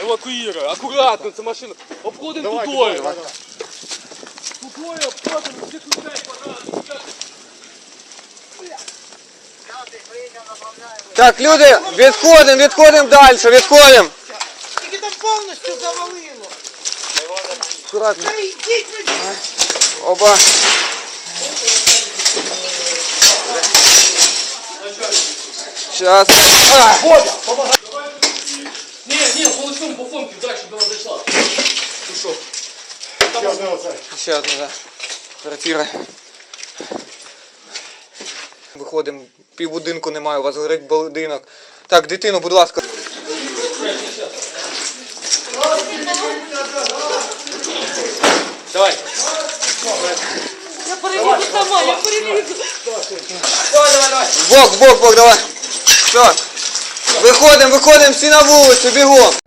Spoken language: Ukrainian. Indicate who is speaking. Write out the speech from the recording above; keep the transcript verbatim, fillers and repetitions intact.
Speaker 1: евакуируй. Аккуратно, це машина. Обходим тудою. Тудою обходимо, всі ключай погано.
Speaker 2: Так, люди, відходимо, відходимо далі, відходимо.
Speaker 3: Тільки там повністю завалило.
Speaker 2: Аккуратно.
Speaker 3: Та йдіть ви.
Speaker 2: Оба. Сейчас. А!
Speaker 1: Не, не, полосом по фомке дальше до нас зайшла. Пішов.
Speaker 2: Ще одна, да. Квартира. Виходимо, півбудинку немає, у вас горить будинок. Так, дитину, будь ласка.
Speaker 1: Давай.
Speaker 3: Я перелізу сама, я перелізу.
Speaker 1: Давай, давай, давай.
Speaker 2: В бок, в бок, в бок, давай. Все. Виходимо, виходимо всі на вулицю, бігом.